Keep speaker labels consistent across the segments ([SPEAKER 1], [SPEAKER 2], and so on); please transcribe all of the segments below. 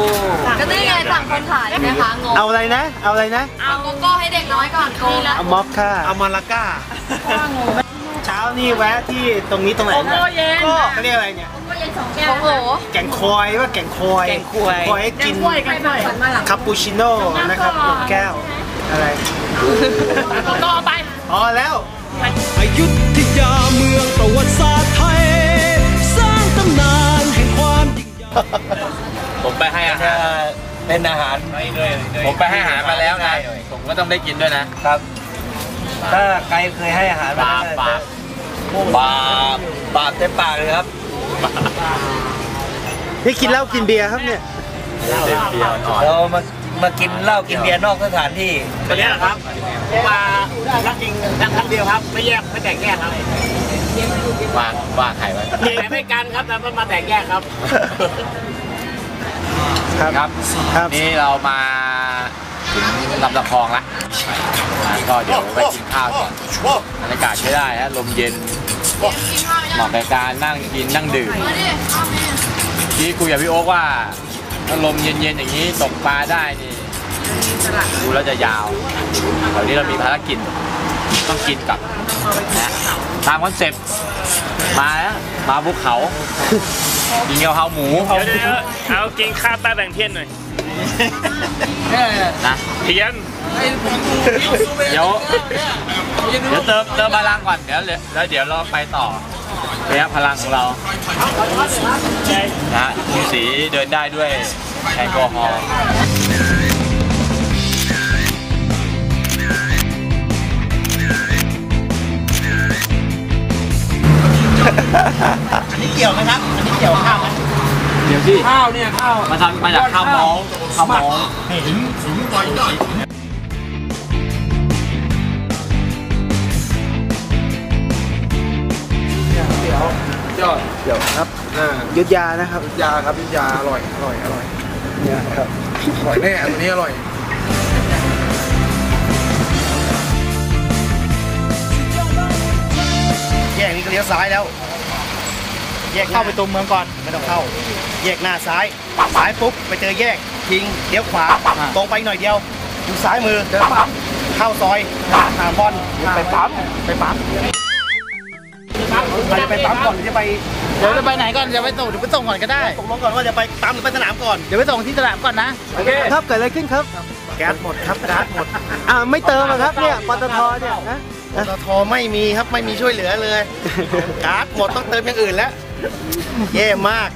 [SPEAKER 1] ก็นี่ไงสั่งคนขายนะคะงง
[SPEAKER 2] เอาอะไรนะเอาอะไรนะ
[SPEAKER 1] เอาโกโก้ให้เด็กน้อยก่อนโกแล้ว
[SPEAKER 2] เอาม็อกค่ะ
[SPEAKER 3] เอามาลาก้า
[SPEAKER 2] เช้านี่แวะที่ตรงนี้ตรงไหนนะก็เรียกอะไรเนี่ย
[SPEAKER 1] โกโก้เย็น2 แก้วโอ้โห
[SPEAKER 2] แกงคอยว่าแกงคอยให้กินคาปูชิโน่นะครับ1 แก้วอะไร
[SPEAKER 1] โกโก้ไป
[SPEAKER 2] พอแล้ว
[SPEAKER 4] อยุธยาเมืองประวัติศาสตร์ไทยสร้างตำนานแห่งความยิ่งใหญ่
[SPEAKER 5] ผมไปให้อาหาร
[SPEAKER 3] เป็นอาหาร
[SPEAKER 5] ผมไปให้อาหารมาแล้วนะผมก็ต้องได้กินด้วยนะครับ
[SPEAKER 3] ถ้าใครเคยให้อาหารมา
[SPEAKER 5] บา
[SPEAKER 3] ปเต็มปากเลยครับ
[SPEAKER 2] นี่กินเหล้ากินเบียร์ครับเนี่ย
[SPEAKER 3] เรามากินเหล้ากินเบียร์นอกสถานที่
[SPEAKER 5] ตัวนี้แหละครับมารักจริงรักครั้งเดียวครับไม่แยกไม่แตกแยกครับวางไข่ไว้แต่ไม่กันครับแต่มาแตกแยกครับครับนี่เรามาถึงลำตะคองแล้วก็เดี๋ยวไปกินข้าวก่อนบรรยากาศใช้ได้ฮะลมเย็นเหมาะกับการนั่งกินนั่งดื่มที่คุยกับพี่โอ๊คว่าถ้าลมเย็นๆอย่างนี้ตกปลาได้นี่ดูแล้วจะยาวเดี๋ยวนี้เรามีภารกิจต้องกินกับนะตามคอนเซ็ปต์มาแล้วมาภูเขากินกะเพราหมู
[SPEAKER 6] เอากินข้าวใต้แบ่งเทียนหน่อย
[SPEAKER 5] นะ
[SPEAKER 6] เทียน
[SPEAKER 5] เดี๋ยวเติมพลังก่อนเดี๋ยวเราไปต่อระยะพลังของเรานะมีสีเดินได้ด้วยแอลกอฮอล์
[SPEAKER 3] อันนี้เกี่ยวไหมครับอันนี้เกี่ยวข้าวไหม
[SPEAKER 5] เดี๋ยวที่
[SPEAKER 3] ข้าวเนี่ยข้าว
[SPEAKER 5] มาทำมาจากข้าวมอง
[SPEAKER 3] ถึงไปได้
[SPEAKER 2] เดี๋ยวครับยุทธยานะครับ
[SPEAKER 3] ยุทธยาครับยุทธยาอร่อย
[SPEAKER 2] เนี่ยครับ
[SPEAKER 3] อร่อยแน่ตัวนี้อร่อยแยกนี้ก็เลี้ยวซ้ายแล้วแยกเข้าไปตรงเมืองก่อนไม่ต้องเข้าแยกหน้าซ้ายปุ๊บไปเจอแยกทิ้งเลี้ยวขวาตรงไปหน่อยเดียวอยู่ซ้ายมือเดินปั๊บเข้าซอยหาบอลไปปั๊มเราจะไปปั๊มก่อนหรือจะไป
[SPEAKER 5] เดี๋ยวจะไปไหนก่อนจะไปส่งเดี๋ยวไปส่งก่อนก็ได้
[SPEAKER 3] ตกลงก่อนว่าจะไปปั๊มหรือไปสนามก่อน
[SPEAKER 5] เดี๋ยวไปส่งที่สนามก่อนนะ
[SPEAKER 2] โอเคครับเกิดอะไรขึ้นครับ
[SPEAKER 3] แก๊สหมดครับแก๊สหมด
[SPEAKER 2] ไม่เติมครับเนี่ยปตทเนี่ยนะ
[SPEAKER 3] ปตทไม่มีครับไม่มีช่วยเหลือเลยก๊าซหมดต้องเติมอย่างอื่นแล้วแย่มาก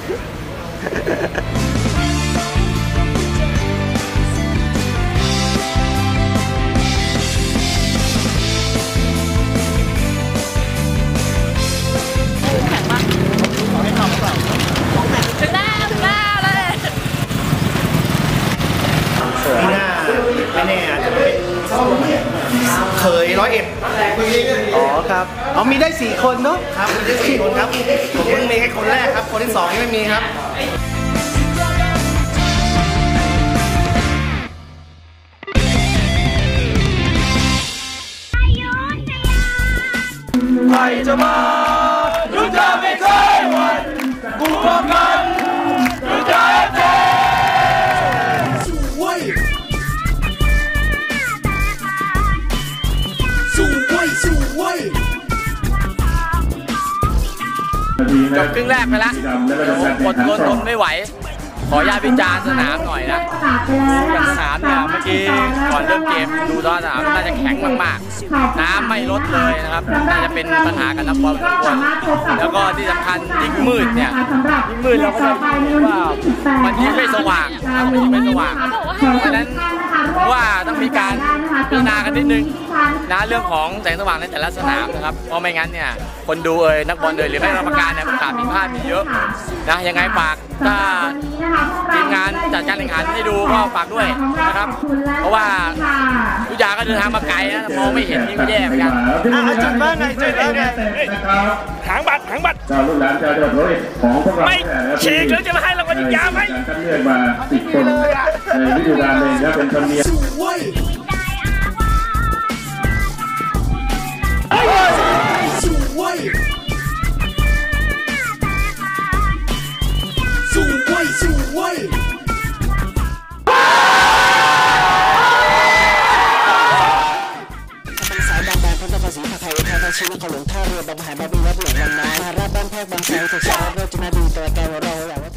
[SPEAKER 1] ถึงหน้าเลย
[SPEAKER 3] ไม่แน่อาจจะเป็นเคย101
[SPEAKER 2] อ๋อครับมีได้4 คนเนาะ
[SPEAKER 3] ครับมีได้4 คนครับผมเพิ่งมีแค่คนแรกครับคนที่2ยังไม่มีครับใครจะมายุทธาไม่เคยหวั่นกูพร้อมกันยุทธาเจ๊
[SPEAKER 5] จบครึ่งแรกไปแล้วกดทนไม่ไหวขออนุญาตวิจารณ์สนามหน่อยนะอย่างสนามเนี่ยเมื่อกี้ก่อนเริ่มเกมดูตอนสนามน่าจะแข็งมากๆน้ำไม่ลดเลยนะครับน่าจะเป็นปัญหากับนักบอลทุกคนแล้วก็ที่สำคัญยิ่งมืดเนี่ยยิ่งมืดเราก็จะเห็นว่ามันยิ่งไม่สว่างมันยิ่งไม่สว่างเพราะฉะนั้นว่าต้องมีการพิจารณากันนิดนึงนะเรื่องของแสงสว่างในแต่ละสนามนะครับเพราะไม่งั้นเนี่ยคนดูนักบอลหรือแม่กรรมการเนี่ยขาดผิดพลาดมีเยอะนะยังไงฝากถ้าทีมงานจัดการแข่งขันให้ดูก็ฝากด้วยนะครับเพราะว่าทุกอย่างก็เดินทางมาไกลนะมองไม่เห็นนี่ก็แย่เหมือนกัน
[SPEAKER 2] จุดว่าไง
[SPEAKER 6] หางบัตรเจ้าลูกหลานเจ้าเดือดร้อนของพวกเราไม่ฉีกแล้วจะมาให้รางวัลยาไหม
[SPEAKER 4] คัดเลือกมา10 คนในฤดูกาลเลยนะเป็นธรรมเนียม
[SPEAKER 3] ส
[SPEAKER 7] าวบางแบนพันธภาษีผักไห่ไทยทั้งชิ้นเขาหลงท่าเรือบางหายบางบีวัดหลงบางนาราบบ้านแพกบางไทรถูกสารรถจุนาดีตัวแกวเรา